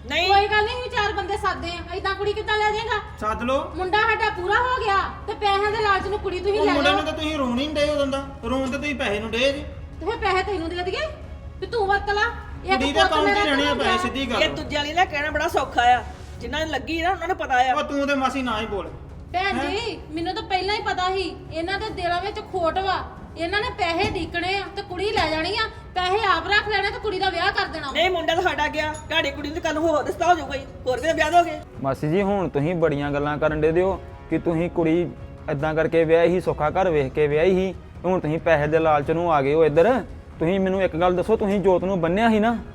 ਨਹੀਂ
ਕੋਈ ਗੱਲ ਨਹੀਂ, ਚਾਰ ਬੰਦੇ ਸਾਦੇ ਆ, ਏਦਾਂ ਕੁੜੀ ਕਿੱਦਾਂ ਲੈ ਜਾਏਗਾ?
ਸੱਦ ਲੋ।
ਮੁੰਡਾ ਸਾਡਾ ਪੂਰਾ ਹੋ ਗਿਆ ਤੇ ਪੈਸਿਆਂ ਦੇ ਲਾਲਚ ਨੂੰ ਕੁੜੀ ਤੁਸੀਂ
ਉਹ
ਲੈ
ਮੁੰਡੇ
ਲਓ
ਨੂੰ ਤਾਂ ਤੁਸੀਂ ਰੋਣ ਹੀ ਨਹੀਂ ਡੇ ਉਦੋਂ ਦਾ, ਰੋਣ ਤੇ ਤੁਸੀਂ ਪੈਸੇ ਨੂੰ ਡੇ ਜੀ।
ਤੇ ਫਿਰ ਪੈਸੇ ਤੈਨੂੰ ਦੇ ਦਈਏ ਤੇ ਤੂੰ ਵਰਤ ਲਾ।
ਕੁੜੀ ਦੇ ਅਕਾਊਂਟ 'ਚ ਰਹਿਣੇ ਆ ਪੈਸੇ, ਸਿੱਧੀ
ਇਹ
ਗੱਲ।
ਦੂਜਿਆਂ ਲਈ ਨਾ ਕਹਿਣਾ ਬੜਾ ਸੌਖਾ ਆ, ਜਿਨ੍ਹਾਂ ਨੂੰ ਲੱਗੀ ਨਾ ਉਹਨਾਂ ਨੂੰ ਪਤਾ ਆ।
ਉਹ ਤੂੰ ਤੇ ਮਾਸੀ ਨਾ ਹੀ ਬੋਲ।
ਭੈਣ ਜੀ ਮੈਨੂੰ ਤਾਂ ਪਹਿਲਾਂ ਹੀ ਪਤਾ ਸੀ ਇਹਨਾਂ ਦੇ ਦਿਲਾਂ ਵਿੱਚ ਖੋਟ ਵਾ। ਇਹਨਾਂ ਨੇ ਪੈਸੇ ਢੀਕਣੇ ਆ ਤੇ ਕੁੜੀ ਲੈ ਜਾਣੀ ਆ, ਪੈਸੇ ਆਪ ਰੱਖ ਲੈਣੇ ਤੇ ਕੁੜੀ ਦਾ ਵਿਆਹ ਕਰ ਦੇਣਾ।
ਨਹੀਂ ਮੁੰਡਾ ਤਾਂ ਸਾਡਾ ਗਿਆ, ਤੁਹਾਡੀ ਕੁੜੀ ਨੂੰ ਕੱਲ ਹੋਰ ਰਿਸ਼ਤਾ ਹੋ ਜਾਊਗਾ ਹੀ, ਹੋਰ ਵੀ ਤਾਂ ਵਿਆਹ ਦੋਗੇ।
ਮਾਸੀ ਜੀ ਹੁਣ ਤੁਸੀਂ ਬੜੀਆਂ ਗੱਲਾਂ ਕਰਨ ਦੇ ਦਿਓ ਕਿ ਤੁਸੀਂ ਕੁੜੀ ਇਦਾਂ ਕਰਕੇ ਵਿਆਹੀ ਸੀ, ਸੌਖਾ ਘਰ ਵੇਖ ਕੇ ਵਿਆਹੀ ਸੀ, ਹੁਣ ਤੁਸੀਂ ਪੈਸੇ ਦੇ ਲਾਲਚ ਨੂੰ ਆ ਗਏ ਹੋ ਇੱਧਰ। ਤੁਸੀਂ ਮੈਨੂੰ ਇੱਕ ਗੱਲ ਦੱਸੋ, ਤੁਸੀਂ ਜੋਤ ਨੂੰ ਬੰਨਿਆ ਸੀ ਨਾ,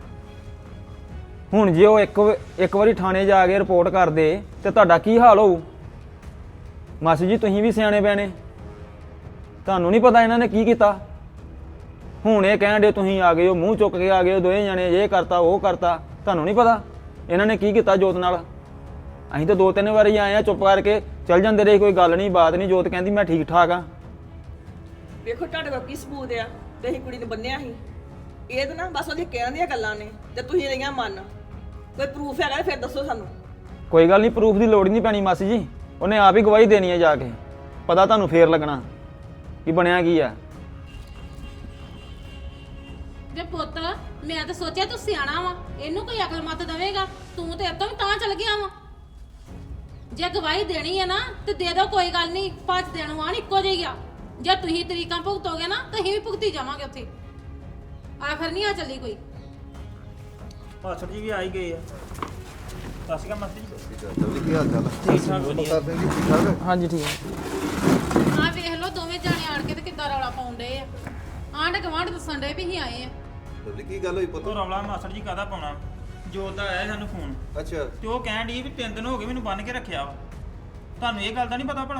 ਹੁਣ ਜੇ ਉਹ ਇੱਕ ਵਾਰੀ ਥਾਣੇ ਜਾ ਕੇ ਰਿਪੋਰਟ ਕਰਦੇ ਤੇ ਤੁਹਾਡਾ ਕੀ ਹਾਲ ਹੋਊ? ਮਾਸੀ ਜੀ ਤੁਸੀਂ ਵੀ ਸਿਆਣੇ ਪੈਣੇ, ਤੁਹਾਨੂੰ ਨਹੀਂ ਪਤਾ ਇਹਨਾਂ ਨੇ ਕੀ ਕੀਤਾ। ਹੁਣ ਇਹ ਕਹਿਣ ਦੇ ਤੁਸੀਂ ਆ ਗਏ ਹੋ, ਮੂੰਹ ਚੁੱਕ ਕੇ ਆ ਗਏ ਹੋ ਦੋਵੇਂ ਜਣੇ, ਇਹ ਕਰਤਾ ਉਹ ਕਰਤਾ, ਤੁਹਾਨੂੰ ਨਹੀਂ ਪਤਾ ਇਹਨਾਂ ਨੇ ਕੀ ਕੀਤਾ ਜੋਤ ਨਾਲ। ਅਸੀਂ ਤਾਂ 2-3 ਵਾਰੀ ਆਏ ਆ, ਚੁੱਪ ਕਰਕੇ ਚੱਲ ਜਾਂਦੇ ਰਹੇ, ਕੋਈ ਗੱਲ ਨਹੀਂ ਬਾਤ ਨਹੀਂ। ਜੋਤ ਕਹਿੰਦੀ ਮੈਂ ਠੀਕ ਠਾਕ ਆ।
ਵੇਖੋ ਤੁਹਾਡੇ ਕੋਲ ਕੀ ਸਬੂਤ ਆ ਤੇ ਅਸੀਂ ਕੁੜੀ ਨੂੰ ਬੰਨਿਆ ਸੀ? ਇਹ ਤਾਂ ਨਾ ਬਸ ਉਹਦੀ ਕਹਿਣ ਦੀਆਂ ਗੱਲਾਂ ਨੇ ਤੇ ਤੁਸੀਂ ਰਹੀਆਂ ਮੰਨ। ਕੋਈ ਪ੍ਰੂਫ ਹੈਗਾ ਤਾਂ ਫਿਰ ਦੱਸੋ ਸਾਨੂੰ।
ਕੋਈ ਗੱਲ ਨਹੀਂ, ਪ੍ਰੂਫ ਦੀ ਲੋੜ ਹੀ ਨਹੀਂ ਪੈਣੀ ਮਾਸੀ ਜੀ, ਉਹਨੇ ਆਪ ਹੀ ਗਵਾਹੀ ਦੇਣੀ ਹੈ ਜਾ ਕੇ, ਪਤਾ ਤੁਹਾਨੂੰ ਫੇਰ ਲੱਗਣਾ ਕਿ ਬਣਿਆ ਕੀ ਆ।
ਵੇ ਪੁੱਤ ਮੈਂ ਤਾਂ ਸੋਚਿਆ ਤੂੰ ਸਿਆਣਾ ਵਾ, ਇਹਨੂੰ ਕੋਈ ਅਕਲ ਮੱਤ ਦੇਵੇਗਾ, ਤੂੰ ਤੇ ਇਤੋਂ ਵੀ ਤਾਂ ਚਲ ਗਿਆ ਵਾ। ਜੇ ਗਵਾਹੀ ਦੇਣੀ ਹੈ ਨਾ ਤੇ ਦੇ ਦਿਓ, ਕੋਈ ਗੱਲ ਨਹੀਂ, 5 ਦਿਨ ਆਣ ਇੱਕੋ ਜਿਹੀ ਆ। ਜੇ ਤੁਸੀਂ ਤਰੀਕਾਂ ਭੁਗਤੋਗੇ ਨਾ ਤਾਂ ਅਸੀਂ ਵੀ ਭੁਗਤੀ ਜਾਵਾਂਗੇ ਉੱਥੇ, ਆਖਰ ਨਹੀਂ ਆ ਚੱਲੀ ਕੋਈ।
ਮਾਸਟਰ ਜੀ ਵੀ ਆ ਹੀ ਗਏ ਆ। ਸਤਿ ਸ਼੍ਰੀ ਅਕਾਲ ਮਾਸਟਰ ਜੀ।
ਜਲਦੀ ਕੀ ਹਾਲ ਚਾਲ ਹੈ?
ਠੀਕ ਠਾਕ ਵਧੀਆ।
ਕਰਦੇ ਜੀ ਠੀਕ ਠਾਕ?
ਹਾਂਜੀ ਠੀਕ ਹੈ।
ਆਹ ਵੇਖ ਲਓ ਦੋਵੇਂ ਜਾਣੇ ਆਣ ਕੇ ਤੇ ਕਿੱਦਾਂ ਰੌਲਾ ਪਾਉਂਦੇ ਆ। ਆਂਢ ਗੁਆਂਢ ਦੱਸਣ ਡੇ ਵੀ ਅਸੀਂ ਆਏ ਆ।
ਜਲਦੀ ਕੀ ਗੱਲ ਹੋਈ ਪੁੱਤ?
ਉਹ ਰੌਲਾ ਮਾਸਟਰ ਜੀ ਕਾਹਦਾ ਪਾਉਣਾ, ਜੋਤ ਦਾ ਆਇਆ ਸਾਨੂੰ ਫੋਨ
ਅੱਛਾ
ਤੇ ਉਹ ਕਹਿਣ ਡਈ ਵੀ 3 ਦਿਨ ਹੋ ਗਏ ਮੈਨੂੰ ਬੰਨ ਕੇ ਰੱਖਿਆ ਵਾ। ਤੁਹਾਨੂੰ ਇਹ ਗੱਲ ਦਾ ਨਹੀਂ ਪਤਾ ਭਲਾ?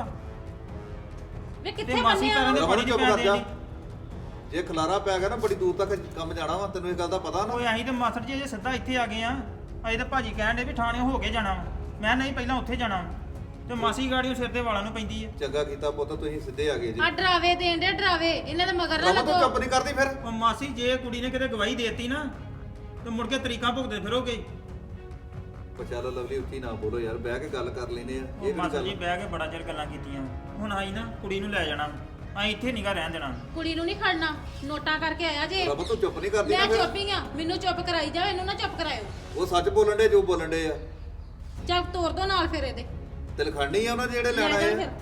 ਵੇ
ਤੇ
ਕਿੱਥੇ
ਮਾਸੀ
ਬੰਨਿਆ
ਕਰਨ ਦੇ
ਰਮਨ
ਬੜੀ
ਚੁੱਪ
ਪੈਣ
ਕਰ ਜਾ।
ਦੇ।
ਜੇ ਖਲਾਰਾ ਪੈ ਗਿਆ ਨਾ ਬੜੀ ਦੂਰ ਤੱਕ ਕੰਮ ਜਾਣਾ ਵਾ, ਤੈਨੂੰ ਇਹ ਗੱਲ ਦਾ ਪਤਾ ਨਾ?
ਓਏ ਅਸੀਂ ਤੇ ਮਾਸਟਰ ਜੀ ਅਜੇ ਸਿੱਧਾ ਇੱਥੇ ਆ ਗਏ ਆ। ਅਜੇ ਤਾਂ ਭਾਜੀ ਕਹਿਣ ਡੇ ਵੀ ਥਾਣੇ ਹੋ ਕੇ ਜਾਣਾ ਵਾ। ਮੈਂ ਨਹੀਂ ਪਹਿਲਾਂ ਉੱਥੇ ਜਾਣਾ ਵਾ। ਤੇ ਮਾਸੀ ਗਾੜੀਓ ਸਿਰ ਦੇ ਵਾਲਾਂ ਨੂੰ ਪੈਂਦੀ ਆ।
ਚੰਗਾ ਕੀਤਾ ਪੁੱਤ, ਤੁਸੀਂ ਸਿੱਧੇ ਆ ਗਏ ਜੀ।
ਆ ਡਰਾਵੇ ਦੇਣ ਦੇ ਡਰਾਵੇ, ਇਹਨਾਂ ਦੇ ਮਗਰ ਨਾ
ਰਮਨ ਤੂੰ
ਲੱਗੋ।
ਚੁੱਪ ਨਹੀਂ ਕਰਦੀ ਫਿਰ?
ਉਹ ਮਾਸੀ ਜੇ ਕੁੜੀ ਨੇ ਕਿਤੇ ਗਵਾਹੀ ਦੇਤੀ ਨਾ ਤੇ ਮੁੜ ਕੇ ਤਰੀਕਾਂ ਭੁਗਤਦੇ ਫਿਰੋਗੇ।
ਉਹ ਚੱਲ ਲਵਲੀ ਉੱਚੀ ਨਾ ਬੋਲੋ ਯਾਰ, ਬਹਿ ਕੇ ਗੱਲ ਕਰ ਲੈਨੇ ਆ।
ਉਹ
ਇਹ ਕਿਹੜੀ
ਮਾਸਟਰ ਜੀ
ਗੱਲ?
ਬਹਿ ਕੇ ਬੜਾ ਚਿਰ ਗੱਲਾਂ ਕੀਤੀਆਂ। ਹੁਣ ਆਈ ਨਾ ਕੁੜੀ ਨੂੰ ਲੈ ਜਾਣਾ, ਅਸੀਂ ਇੱਥੇ ਨਹੀਂਗਾ ਰਹਿਣ ਦੇਣਾ।
ਕੁੜੀ ਨੂੰ ਨਹੀਂ ਖੜਨਾ, ਨੋਟਾਂ ਕਰਕੇ ਆਇਆ ਜੇ।
ਰਮਨ ਤੂੰ ਚੁੱਪ ਨਹੀਂ ਕਰਦੀ
ਮੈਂ
ਨਾ ਫਿਰ?
ਚੁੱਪ ਹੀ ਆ, ਮੈਨੂੰ ਚੁੱਪ ਕਰਾਈ ਜਾਓ, ਇਹਨੂੰ ਨਾ ਚੁੱਪ ਕਰਾਇਓ।
ਉਹ ਸੱਚ ਬੋਲਣ ਦੇ ਜੋ ਬੋਲਣ ਦੇ ਆ।
ਚੱਲ ਤੋਰ ਦੋ ਨਾਲ ਫਿਰ ਇਹਦੇ,
ਤੇ ਲਖਾਣੀ ਆ ਉਹਨਾਂ ਦੇ ਜਿਹੜੇ ਲੈਣ
ਲੈ
ਆਏ
ਜਾਓ
ਆ।
ਫਿਰ।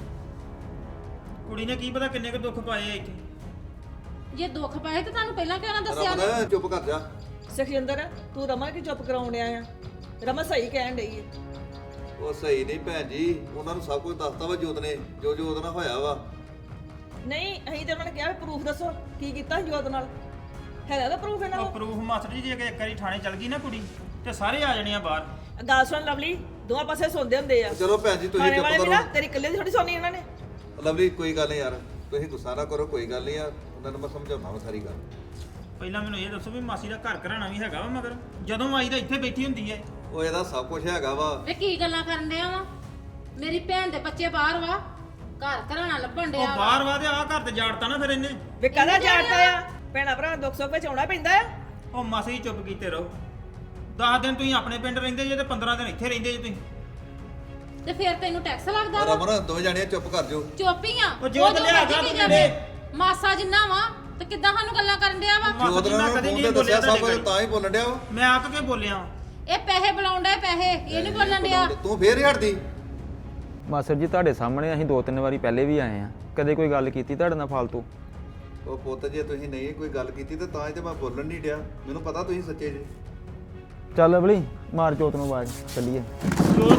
ਕੁੜੀ ਨੇ ਕੀ ਪਤਾ ਕਿੰਨੇ ਕੁ ਦੁੱਖ ਪਾਏ ਆ ਇੱਥੇ।
ਜੇ ਦੁੱਖ ਪਾਏ ਤਾਂ ਤੁਹਾਨੂੰ ਪਹਿਲਾਂ ਕਿਉਂ ਨਾ ਦੱਸਿਆ?
ਰਮਨ ਚੁੱਪ ਕਰ ਜਾ।
ਸੁਖਜਿੰਦਰ ਤੂੰ ਰਮਨ ਕੀ ਚੁੱਪ ਕਰਾਉਣ ਡਿਆ ਆ? ਰਮਨ ਸਹੀ ਕਹਿਣ ਡਈ ਹੈ।
ਉਹ ਸਹੀ ਨਹੀਂ ਭੈਣ ਜੀ, ਉਹਨਾਂ ਨੂੰ ਸਭ ਕੁਝ ਦੱਸਤਾ ਵਾ ਜੋਤ ਨੇ, ਜੋ ਜੋ ਉਹਦੇ ਨਾਲ ਹੋਇਆ ਵਾ।
ਨਹੀਂ ਅਸੀਂ ਤੇ ਉਹਨਾਂ ਨੇ ਕਿਹਾ ਪ੍ਰੂਫ ਦੱਸੋ ਕੀ ਕੀਤਾ ਸੀ ਜੋਤ ਨਾਲ, ਹੈਗਾ ਤਾਂ ਪ੍ਰੂਫ ਇਹਨਾਂ
ਉਹ
ਕੋਲ?
ਪ੍ਰੂਫ ਮਾਸਟਰ ਜੀ ਜੇ ਇੱਕ ਵਾਰੀ ਥਾਣੇ ਚਲ ਗਈ ਨਾ ਕੁੜੀ ਤੇ ਸਾਰੇ ਆ ਜਾਣੇ ਆ ਬਾਹਰ।
ਗੱਲ ਸੁਣ ਲਵਲੀ, ਦੋਵਾਂ ਪਾਸੇ ਸੁਣਦੇ ਹੁੰਦੇ ਆ।
ਚਲੋ ਭੈਣ ਜੀ ਤੁਸੀਂ
ਥਾਣੇ
ਚੁੱਪ
ਵਾਲੇ ਵੀ
ਕਰੋ।
ਨਾ ਤੇਰੀ ਇਕੱਲੇ ਦੀ ਥੋੜੀ ਸੁਣਨੀ ਉਹਨਾਂ ਨੇ।
ਲਵਲੀ ਕੋਈ ਗੱਲ ਨਹੀਂ ਯਾਰ, ਤੁਸੀਂ ਗੁੱਸਾ ਨਾ ਕਰੋ, ਕੋਈ ਗੱਲ ਨਹੀਂ ਯਾਰ, ਉਹਨਾਂ ਨੂੰ ਮੈਂ ਸਮਝਾਉਣਾ ਵਾ ਸਾਰੀ ਗੱਲ।
ਪਹਿਲਾਂ ਮੈਨੂੰ ਇਹ ਦੱਸੋ ਵੀ ਮਾਸੀ ਦਾ ਘਰ ਘਰਾਣਾ ਵੀ ਹੈਗਾ ਵਾ ਮਗਰ, ਜਦੋਂ ਆਈ ਤਾਂ ਇੱਥੇ ਬੈਠੀ ਹੁੰਦੀ ਹੈ।
ਉਹ ਇਹਦਾ ਸਭ ਕੁਝ ਹੈਗਾ ਵਾ।
ਵੇ ਕੀ ਗੱਲਾਂ ਕਰਨ ਡਿਆ ਵਾ? ਮੇਰੀ ਭੈਣ ਦੇ ਬੱਚੇ ਬਾਹਰ ਵਾ, ਘਰ ਘਰਾਣਾ ਲੱਭਣ ਡਿਆ
ਉਹ
ਵਾ।
ਬਾਹਰ ਵਾ ਤੇ ਆਹ ਘਰ ਤੇ ਜਾੜਤਾ ਨਾ ਫਿਰ ਇਹਨੇ।
ਵੇ ਕਾਹਦਾ ਜਾਣਦਾ ਆ? ਭੈਣਾ ਭਰਾ ਦੁੱਖ ਸੁੱਖ ਵਿੱਚ ਆਉਣਾ ਪੈਂਦਾ ਆ।
ਉਹ ਮਾਸੀ ਜੀ ਚੁੱਪ ਕੀਤੇ ਰਹੋ। 10 ਦਿਨ ਤੁਸੀਂ ਆਪਣੇ ਪਿੰਡ ਰਹਿੰਦੇ ਜੇ ਤੇ 15 ਦਿਨ ਇੱਥੇ ਰਹਿੰਦੇ ਜੇ ਤੁਸੀਂ।
ਤੇ ਫਿਰ ਤੈਨੂੰ ਟੈਕਸ ਲੱਗਦਾ ਵਾ?
ਰਮਨ ਦੋਵੇਂ ਜਾਣੀਆਂ ਚੁੱਪ ਕਰ ਜਾਓ।
ਚੁੱਪ ਹੀ ਆ।
ਉਹ ਜੋ ਤੇ
ਜੋ
ਲਿਆ
ਮਰਜ਼ੀ
ਗਾ
ਕਹੀ
ਤੂੰ
ਜਾਵੇ।
ਮੇਰੇ।
ਮਾਸਾ ਜਿੰਨਾ ਵਾ ਤੇ ਕਿੱਦਾਂ ਸਾਨੂੰ ਗੱਲਾਂ ਕਰਨ ਡਿਆ ਵਾ?
ਮਾਸੀ
ਜੋਤ
ਜੀ,
ਨੇ
ਮੈਂ
ਉਹਨੂੰ
ਕਦੇ
ਫੋਨ
ਨਹੀਂ
ਤੇ ਦੱਸਿਆ
ਬੋਲਿਆ
ਸਭ ਕੁਝ,
ਤੁਹਾਡੇ
ਤਾਂ ਹੀ ਬੋਲਣ ਡਿਆ ਵਾ।
ਮੈਂ ਆਕ ਕੇ ਬੋਲਿਆ।
ਇਹ ਪੈਸੇ ਬੁਲਾਉਂਦਾ, ਪੈਸੇ ਇਹ ਨਹੀਂ ਬੋਲਣ ਡਿਆ।
ਤੂੰ ਫੇਰ ਹੀ ਹਟਦੀ?
ਮਾਸਟਰ ਜੀ ਤੁਹਾਡੇ ਸਾਹਮਣੇ ਅਸੀਂ 2-3 ਵਾਰੀ ਪਹਿਲੇ ਵੀ ਆਏ ਆ, ਕਦੇ ਕੋਈ ਗੱਲ ਕੀਤੀ ਤੁਹਾਡੇ ਨਾਲ ਫਾਲਤੂ?
ਉਹ ਪੁੱਤ ਜੇ ਤੁਸੀਂ ਨਹੀਂ ਕੋਈ ਗੱਲ ਕੀਤੀ ਤੇ ਤਾਂ ਹੀ ਤੇ ਮੈਂ ਬੋਲਣ ਨਹੀਂ ਡਿਆ, ਮੈਨੂੰ ਪਤਾ ਤੁਸੀਂ ਸੱਚੇ ਜੀ।
ਚੱਲ ਲਵਲੀ ਮਾਰ ਜੋਤ ਨੂੰ ਆਵਾਜ਼, ਚੱਲੀਏ।
ਜੋਤ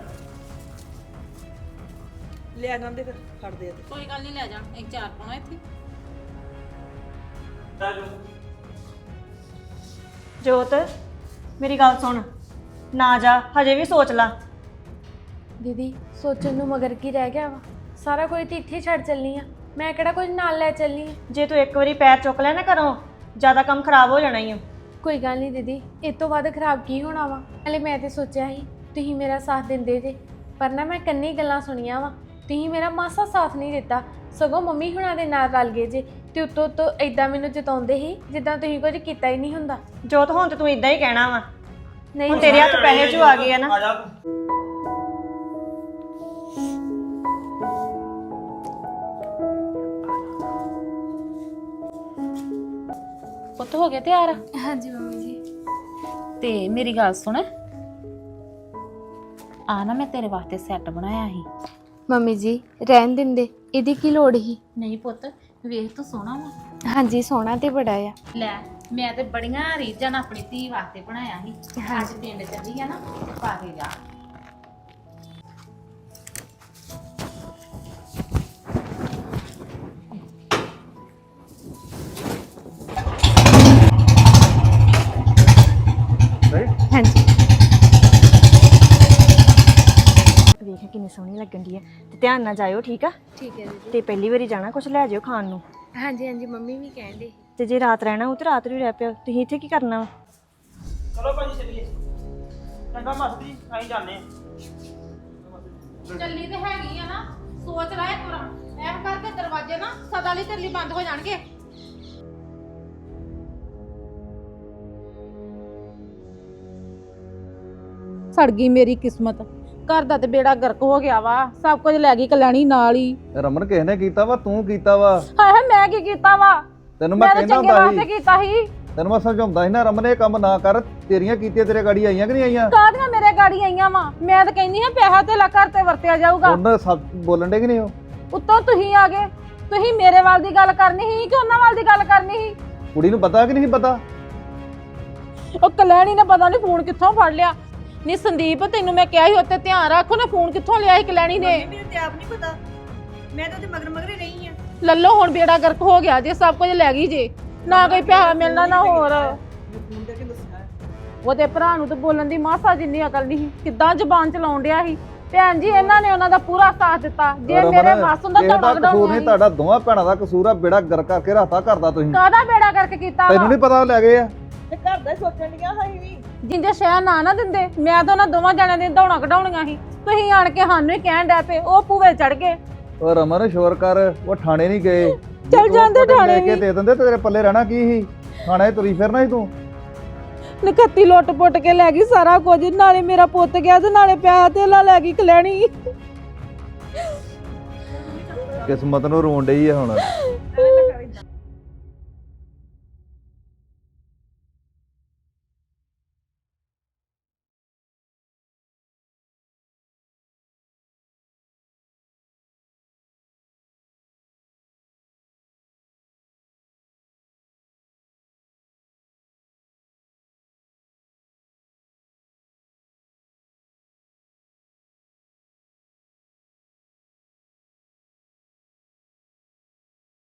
ਲਿਆ ਜਾਂਦੇ ਫਿਰ ਫੜਦੇ ਆ ਤੇ।
ਕੋਈ ਗੱਲ ਨਹੀਂ, ਲੈ ਜਾਣ, ਇੱਕ ਚਾਰ ਪਾਉਣਾ ਇੱਥੇ।
ਜੋਤ ਮੇਰੀ ਗੱਲ ਸੁਣ, ਨਾ ਜਾ, ਹਜੇ ਵੀ ਸੋਚ ਲਾ।
ਦੀਦੀ ਸੋਚਣ ਨੂੰ ਮਗਰ ਕੀ ਰਹਿ ਗਿਆ ਵਾ? ਸਾਰਾ ਕੁਝ ਤੇ ਇੱਥੇ ਹੀ ਛੱਡ ਚੱਲਣੀ ਆ, ਮੈਂ ਕਿਹੜਾ ਕੁਝ ਨਾਲ ਲੈ ਚੱਲਣੀ ਆ।
ਜੇ ਤੂੰ ਇੱਕ ਵਾਰੀ ਪੈਰ ਚੁੱਕ ਲਿਆ ਨਾ ਘਰੋਂ, ਜ਼ਿਆਦਾ ਕੰਮ ਖਰਾਬ ਹੋ ਜਾਣਾ ਹੀ ਆ।
ਕੋਈ ਗੱਲ ਨਹੀਂ ਦੀਦੀ, ਇਹ ਤੋਂ ਵੱਧ ਖਰਾਬ ਕੀ ਹੋਣਾ ਵਾ? ਹਲੇ ਮੈਂ ਤੇ ਸੋਚਿਆ ਸੀ ਤੁਸੀਂ ਮੇਰਾ ਸਾਥ ਦਿੰਦੇ ਜੇ, ਪਰ ਨਾ ਮੈਂ ਕੰਨੀ ਗੱਲਾਂ ਸੁਣੀਆਂ ਵਾ, ਤੁਸੀਂ ਮੇਰਾ ਮਾਸਾ ਸਾਥ ਨਹੀਂ ਦਿੱਤਾ, ਸਗੋਂ ਮੰਮੀ ਹੁਣਾਂ ਦੇ ਨਾਲ ਰਲ ਗਏ ਜੇ ਤੇ ਉੱਤੋਂ ਇਦਾਂ ਮੈਨੂੰ ਜਤਾਉਂਦੇ ਸੀ ਜਿੱਦਾਂ ਤੁਸੀਂ ਕੁਝ ਕੀਤਾ ਹੀ ਨਹੀਂ ਹੁੰਦਾ।
ਜੋਤ ਹੁਣ ਤੇ ਤੂੰ ਇਦਾਂ ਹੀ ਕਹਿਣਾ ਵਾ। ਨਹੀਂ ਤੇਰੇ ਹੱਥ ਪੈਸੇ ਜੋ ਆ ਗਏ ਆ ਨਾ
ਆ ਜਾ ਤੂੰ।
ਪੁੱਤ ਹੋ ਗਿਆ ਤਿਆਰ?
ਹਾਂਜੀ ਮੰਮੀ ਜੀ।
ਤੇ ਮੇਰੀ ਗੱਲ ਸੁਣ, ਆ ਨਾ ਮੈਂ ਤੇਰੇ ਵਾਸਤੇ ਸੈੱਟ ਬਣਾਇਆ ਸੀ।
ਮੰਮੀ ਜੀ ਰਹਿਣ ਦਿੰਦੇ, ਇਹਦੀ ਕੀ ਲੋੜ ਹੀ?
ਨਹੀਂ ਪੁੱਤ, ਵੇਖ ਤੂੰ ਸੋਹਣਾ ਵਾ।
ਹਾਂਜੀ ਸੋਹਣਾ ਤੇ ਬੜਾ ਆ।
ਲੈ ਮੈਂ ਤੇ ਬੜੀਆਂ ਰੀਝਾਂ ਨਾਲ ਆਪਣੀ ਧੀ ਵਾਸਤੇ ਬਣਾਇਆ ਸੀ। ਅੱਜ ਪਿੰਡ ਚੱਲੀ ਆ ਨਾ, ਤੇ ਪਾ ਕੇ ਜਾ।
ਹਾਂਜੀ ਵੇਖ ਕਿੰਨੀ ਸੋਹਣੀ ਲੱਗਣ ਦੀ ਹੈ ਤੇ ਧਿਆਨ ਨਾਲ ਜਾਇਓ ਠੀਕ ਆ।
ਠੀਕ ਹੈ ਦੀਦੀ।
ਤੇ ਪਹਿਲੀ ਵਾਰੀ ਜਾਣਾ ਕੁਝ ਲੈ ਜਾਇਓ ਖਾਣ ਨੂੰ।
ਹਾਂਜੀ ਹਾਂਜੀ ਮੰਮੀ ਵੀ ਕਹਿੰਦੇ।
ਤੇ ਜੇ ਰਾਤ ਰਹਿਣਾ ਹੋ ਤੇ ਰਾਤ ਨੂੰ ਰਹਿ ਪਿਓ। ਤੁਸੀਂ ਇੱਥੇ ਕੀ ਕਰਨਾ ਵਾ?
ਚਲੋ ਭਾਜੀ ਚੱਲੀਏ। ਚੰਗਾ ਮਸਤੀ ਅਸੀਂ ਜਾਂਦੇ ਆ।
ਚੱਲੀ ਤੇ ਹੈਗੀ ਆ ਨਾ, ਸੋਚ ਲੈ ਇੱਕ ਵਾਰ। ਐਮ ਕਰਕੇ ਦਰਵਾਜ਼ੇ ਨਾ ਸਦਾ ਲਈ ਤੇਰੇ ਲਈ ਬੰਦ ਹੋ ਜਾਣਗੇ।
ਸੜ ਗਈ ਮੇਰੀ ਕਿਸਮਤ। ਘਰ ਦਾ ਤੇ ਬੇੜਾ ਗਰਕ ਹੋ ਗਿਆ ਵਾ, ਸਭ ਕੁਝ ਲੈ ਗਈ ਕਲਿਆਣੀ ਨਾਲ ਹੀ।
ਰਮਨ ਕਿਸ ਨੇ ਕੀਤਾ ਵਾ? ਤੂੰ ਕੀਤਾ ਵਾ।
ਹਾਏ ਹਾਏ ਮੈਂ ਕੀ ਕੀਤਾ ਵਾ?
ਤੈਨੂੰ ਮੈਂ
ਮੈਂ ਤਾਂ
ਕਹਿੰਦਾ
ਚੰਗੇ
ਹੁੰਦਾ
ਵਾਸਤੇ
ਸੀ,
ਕੀਤਾ ਸੀ।
ਤੈਨੂੰ ਮੈਂ ਸਮਝਾਉਂਦਾ ਸੀ ਨਾ ਰਮਨ ਇਹ ਕੰਮ ਨਾ ਕਰ। ਤੇਰੀਆਂ ਕੀਤੀਆਂ ਤੇਰੇ ਗਾੜੀ ਆਈਆਂ ਕਿ ਨਹੀਂ ਆਈਆਂ?
ਕਾਹਦੀਆਂ ਮੇਰੇ ਗਾੜੀ ਆਈਆਂ ਵਾ? ਮੈਂ ਤਾਂ ਕਹਿੰਦੀ ਹਾਂ ਪੈਸਾ ਤੇ ਲਾ ਘਰ ਤੇ ਵਰਤਿਆ ਜਾਊਗਾ।
ਉਹਨਾਂ ਸਭ ਬੋਲਣ ਦੇ ਕਿ ਨਹੀਂ ਉਹ?
ਉੱਤੋਂ ਤੁਸੀਂ ਆ ਗਏ। ਤੁਸੀਂ ਮੇਰੇ ਵੱਲ ਦੀ ਗੱਲ ਕਰਨੀ ਸੀ ਕਿ ਉਹਨਾਂ ਵੱਲ ਦੀ ਗੱਲ ਕਰਨੀ ਸੀ?
ਕੁੜੀ ਨੂੰ ਪਤਾ ਕਿ ਨਹੀਂ ਪਤਾ?
ਉਹ ਕਲਿਆਣੀ ਨੇ ਪਤਾ ਨਹੀਂ ਫੋਨ ਕਿੱਥੋਂ ਫੜ ਲਿਆ। ਨਹੀਂ ਸੰਦੀਪ, ਤੈਨੂੰ ਮੈਂ ਕਿਹਾ ਸੀ ਉੱਤੇ ਧਿਆਨ ਰੱਖ। ਉਹਨੇ ਫੋਨ ਕਿੱਥੋਂ ਲਿਆ ਸੀ ਕਲਿਆਣੀ ਨੇ?
ਮੈਨੂੰ ਤੇ ਆਪ ਨਹੀਂ ਪਤਾ, ਮੈਂ ਤਾਂ ਉਹਦੇ ਮਗਰ ਮਗਰ ਹੀ ਰਹੀ ਆ।
ਲੱਲੋ ਹੁਣ ਬੇੜਾ ਗਰਕ ਹੋ ਗਿਆ ਜੇ, ਸਭ ਕੁਝ ਲੈ ਗਈ ਜੇ। ਨਾ ਕੋਈ ਪੈਸਾ ਮਿਲਣਾ ਨਾ ਹੋਰ। ਉਹਦੇ ਭਰਾ ਨੂੰ ਤਾਂ ਬੋਲਣ ਦੀ ਮਾਸਾ ਜਿੰਨੀ ਅਕਲ ਨਹੀਂ ਸੀ। ਕਿੱਦਾਂ ਜ਼ਬਾਨ ਚਲਾਉਣ ਡਿਆ ਸੀ। ਭੈਣ ਜੀ ਇਹਨਾਂ ਨੇ ਉਹਨਾਂ ਦਾ ਪੂਰਾ ਸਾਥ ਦਿੱਤਾ। ਜੇ ਮੇਰੇ ਵੱਸ ਹੁੰਦਾ
ਕਿਸੇ ਦਾ
ਤਾਂ
ਕਸੂਰ ਨਹੀਂ, ਤੁਹਾਡਾ ਦੋਵਾਂ ਭੈਣਾਂ ਦਾ ਕਸੂਰ ਆ। ਬੇੜਾ ਗਰ ਕਰਕੇ ਰਾਤਾ ਕਰਦਾ ਤੁਸੀਂ।
ਕਾਹਦਾ ਬੇੜਾ ਕਰਕੇ ਕੀਤਾ
ਤੈਨੂੰ
ਵਾ?
ਨਹੀਂ ਪਤਾ ਉਹ ਲੈ ਗਏ ਆ?
ਤੇ ਘਰ ਦਾ ਹੀ ਸੋਚਣ ਡੀਆਂ ਅਸੀਂ ਵੀ।
ਜਿੰਦੇ ਸ਼ਹਿਰ ਨਾ ਦਿੰਦੇ, ਮੈਂ ਤਾਂ ਉਹਨਾਂ ਦੋਵਾਂ ਜਣਿਆਂ ਦੀਆਂ ਦੌੜਾਂ ਕਢਾਉਣੀਆਂ ਸੀ। ਤੁਸੀਂ ਆਣ ਕੇ ਸਾਨੂੰ ਹੀ ਕਹਿਣ ਡੈ ਪਏ ਉਹ ਭੂਵੇ ਚੜ ਗਏ।
ਉਹ ਰਮਨ ਸ਼ੋਰ ਕਰ, ਉਹ ਥਾਣੇ ਨਹੀਂ ਗਏ।
ਚੱਲ ਜਾਂਦੇ ਥਾਣੇ
ਲੈ ਕੇ
ਵੀ।
ਦੇ ਦਿੰਦੇ ਤੇ ਤੇਰੇ ਪੱਲੇ ਰਹਿਣਾ ਕੀ ਸੀ? ਥਾਣੇ ਤੁਰੀ ਫਿਰਨਾ ਸੀ ਤੂੰ।
ਨਖੱਤੀ ਲੁੱਟ ਪੁੱਟ ਕੇ ਲੈ ਗਈ ਸਾਰਾ ਕੁਝ। ਨਾਲੇ ਮੇਰਾ ਪੁੱਤ ਗਿਆ ਤੇ ਨਾਲੇ ਪੈਸਾ ਧੇਲਾ ਲੈ ਗਈ ਕਲਿਆਣੀ।
ਕਿਸਮਤ ਨੂੰ ਰੋਣ ਡਈ ਆ ਹੁਣ।